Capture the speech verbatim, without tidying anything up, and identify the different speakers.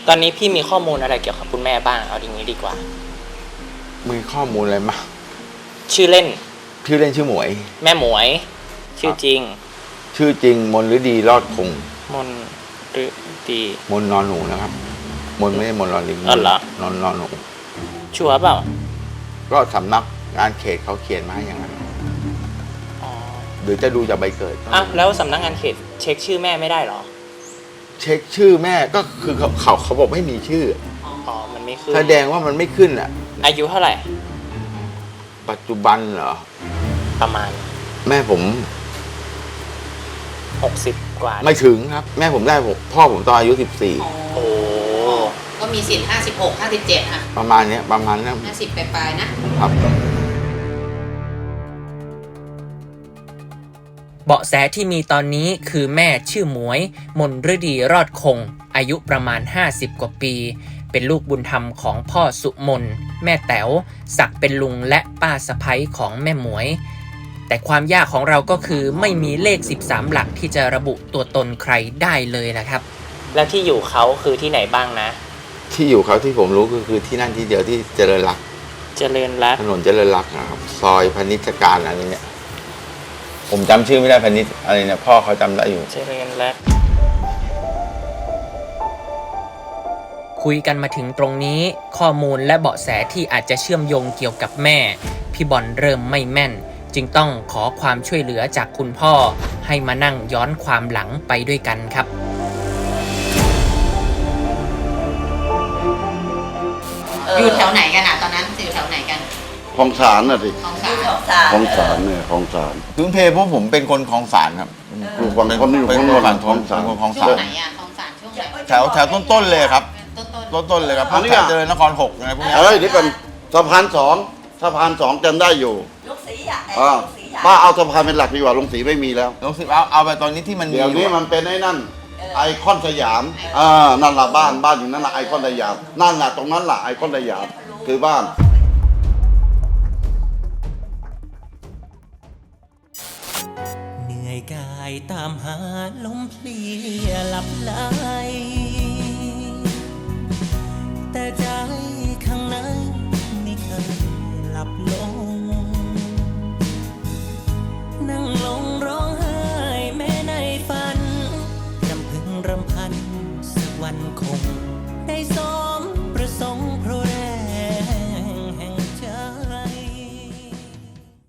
Speaker 1: ตอนนี้พี่มีข้อมูลอะไรเกี่ยวกับคุณแม่บ้างเอาอย่างนี้ดีกว่า
Speaker 2: มีข้อมูลอะไรมา
Speaker 1: ชื่อเล่น
Speaker 2: ชื่อเล่นชื่อหมวย
Speaker 1: แม่หมวยชื่อจริง
Speaker 2: ชื่อจริงมนฤดีรอดคง
Speaker 1: มนฤดี
Speaker 2: มนนอนหนูนะครับมนไม่ใช่มนรอลิง
Speaker 1: อ๋อเหรอน
Speaker 2: อนนอนหนู
Speaker 1: ชัวร์เปล่า
Speaker 2: ก็สำนักงานเขตเขาเขียนมาให้อย่างนั้นหรือจะดูจากใบเกิด
Speaker 1: อ้าวแล้วสำนักงานเขตเช็คชื่อแม่ไม่ได้หรอ
Speaker 2: เช็คชื่อแม่ก็คือเขาเขาเขาบอกไม่มีชื่อ
Speaker 1: อ๋อมันไม่ขึ้น
Speaker 2: แสดงว่ามันไม่ขึ้นอ่ะ
Speaker 1: อายุเท่าไหร่
Speaker 2: ปัจจุบันเหรอ
Speaker 1: ประมาณ
Speaker 2: แม่ผม
Speaker 1: หกสิบกว่า
Speaker 2: ไม่ถึงครับแม่ผมได้ผมพ่อผมตอนอายุสิบสี่
Speaker 1: โอ้
Speaker 3: ก็มีสิทธิ์ห้าสิบหก ห้าสิบเจ็ดอ่ะ
Speaker 2: ประมาณเนี้ยประมาณนั้น
Speaker 3: ห้าสิบปลายๆนะครับ
Speaker 1: เบาะแสที่มีตอนนี้คือแม่ชื่อหมวยมนฤดีรอดคงอายุประมาณห้าสิบกว่าปีเป็นลูกบุญธรรมของพ่อสุมนแม่แต๋วศักดิ์เป็นลุงและป้าสะใภ้ของแม่หมวยแต่ความยากของเราก็คือไม่มีเลขสิบสามหลักที่จะระบุตัวตนใครได้เลยนะครับแล้วที่อยู่เขาคือที่ไหนบ้างนะ
Speaker 2: ที่อยู่เขาที่ผมรู้ก็คือที่นั่นที่เดียวที่เจริญรัก
Speaker 1: เจริญรัก
Speaker 2: ถนนเจริญรักนะครับซอยพนิชการอะไรเนี่ยผมจำชื่อไม่ได้พนิชอะไรเนี่ยพ่อเขาจำได้อยู่
Speaker 1: เจริญรักคุยกันมาถึงตรงนี้ข้อมูลและเบาะแสที่อาจจะเชื่อมโยงเกี่ยวกับแม่พี่บอลเริ่มไม่แม่นจึงต้องขอความช่วยเหลือจากคุณพ่อให้มานั่งย้อนความหลังไปด้วยกันครับ
Speaker 3: อยู่แถวไหนกันอ่ะตอนนั้นอยู่แถวไหนกัน
Speaker 4: คลองสารน่ะสิ
Speaker 3: คลองสาร
Speaker 4: คลองสารเนี่ยคลองสาร
Speaker 2: พื้นเพพวกผมเป็นคนคลองสารครับ
Speaker 4: อยู่ฝั่งคนนี้อยู่ฝั่งฝั่งคลองสาร
Speaker 2: คลองสาร
Speaker 3: ช่วงไหนอ่ะคลองสารช่วงไหน
Speaker 2: แถวแถวต้นๆเลยครับ
Speaker 3: ต้น
Speaker 2: ต้นๆเลยครับพวกแถวเจริญนครหกอะไรพวกนี้
Speaker 4: เฮ้ยนี่เป็นสะพานสองสะพานสองจำได้อยู่
Speaker 3: ลงสีอ่ะ
Speaker 4: อ่าป้าเอาสะพานเป็นหลักดีกว่าลงสีไม่มีแล้ว
Speaker 2: ลงสีเอาเอาไปตอนนี้ที่มัน
Speaker 4: เดี๋ยวนี้มันเป็นไอ้นั่นไอคอนสยามอ่านั่นละบ้านบ้านอยู่นั่นละไอคอนสยามนั่นละตรงนั้นละไอคอนสยามคือบ้าน
Speaker 1: เหนื่อยกายตามหาลมเพลียหลับไหลแต่ใจข้างในไม่เคยหลับลง